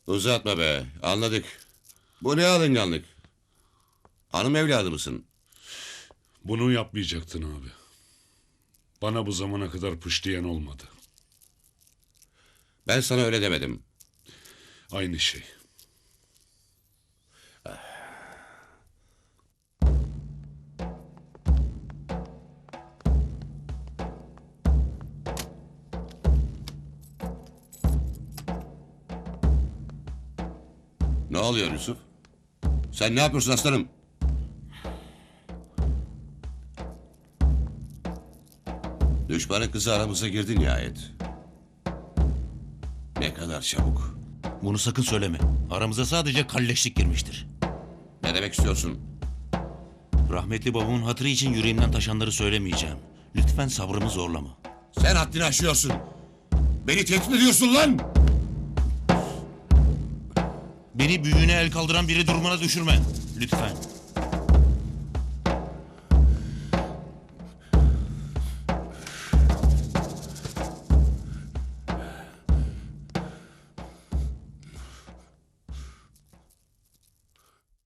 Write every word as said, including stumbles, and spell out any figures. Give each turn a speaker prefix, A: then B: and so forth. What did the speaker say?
A: Uzatma be, anladık. Bu ne alınganlık? Hanım evladı mısın?
B: Bunu yapmayacaktın abi. Bana bu zamana kadar pış diyen olmadı.
A: Ben sana öyle demedim.
B: Aynı şey.
A: Ne oluyor Yusuf? Sen ne yapıyorsun aslanım? Düşmanın kızı aramıza girdi nihayet. Ne kadar çabuk.
C: Bunu sakın söyleme. Aramıza sadece kalleşlik girmiştir.
A: Ne demek istiyorsun?
C: Rahmetli babamın hatırı için yüreğimden taşanları söylemeyeceğim. Lütfen sabrımı zorlama.
A: Sen haddini aşıyorsun. Beni tehdit ediyorsun lan!
C: Beni büyüğüne el kaldıran biri durumuna düşürme. Lütfen.